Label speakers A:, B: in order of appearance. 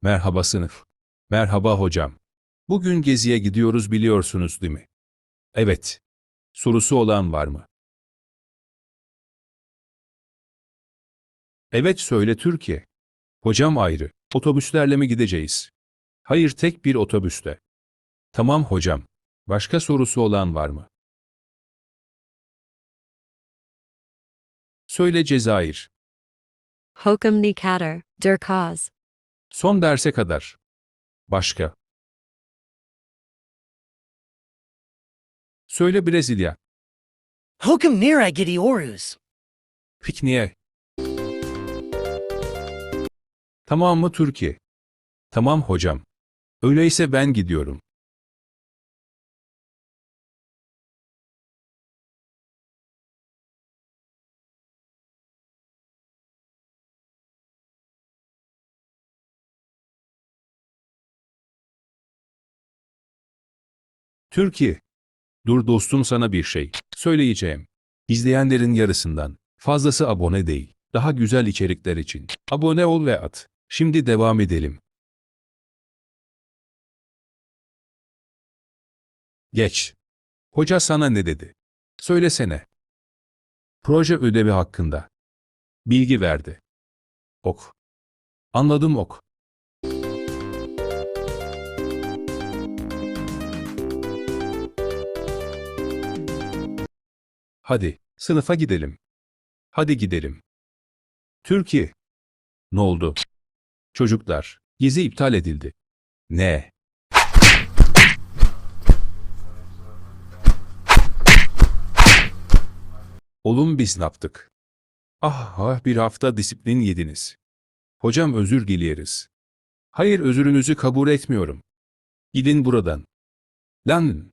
A: Merhaba sınıf. Merhaba hocam. Bugün geziye gidiyoruz biliyorsunuz değil mi? Evet. Sorusu olan var mı? Evet söyle Türkiye. Hocam ayrı. Otobüslerle mi gideceğiz? Hayır tek bir otobüste. Tamam hocam. Başka sorusu olan var mı? Söyle Cezayir.
B: Hokum ni kader, der kaz.
A: Son derse kadar. Başka. Söyle Brezilya.
C: Hokum nira gidiorus.
A: Pikniğe. Tamam mı Türkiye? Tamam hocam. Öyleyse ben gidiyorum. Türkiye. Dur dostum sana bir şey söyleyeceğim. İzleyenlerin yarısından fazlası abone değil. Daha güzel içerikler için abone ol ve at. Şimdi devam edelim. Geç. Hoca sana ne dedi? Söylesene. Proje ödevi hakkında. Bilgi verdi. Ok. Anladım ok. Hadi, sınıfa gidelim. Hadi gidelim. Türkiye. Ne oldu? Çocuklar, gezi iptal edildi. Ne? Oğlum biz ne yaptık? Bir hafta disiplin yediniz. Hocam özür dileriz. Hayır özürünüzü kabul etmiyorum. Gidin buradan. Lan!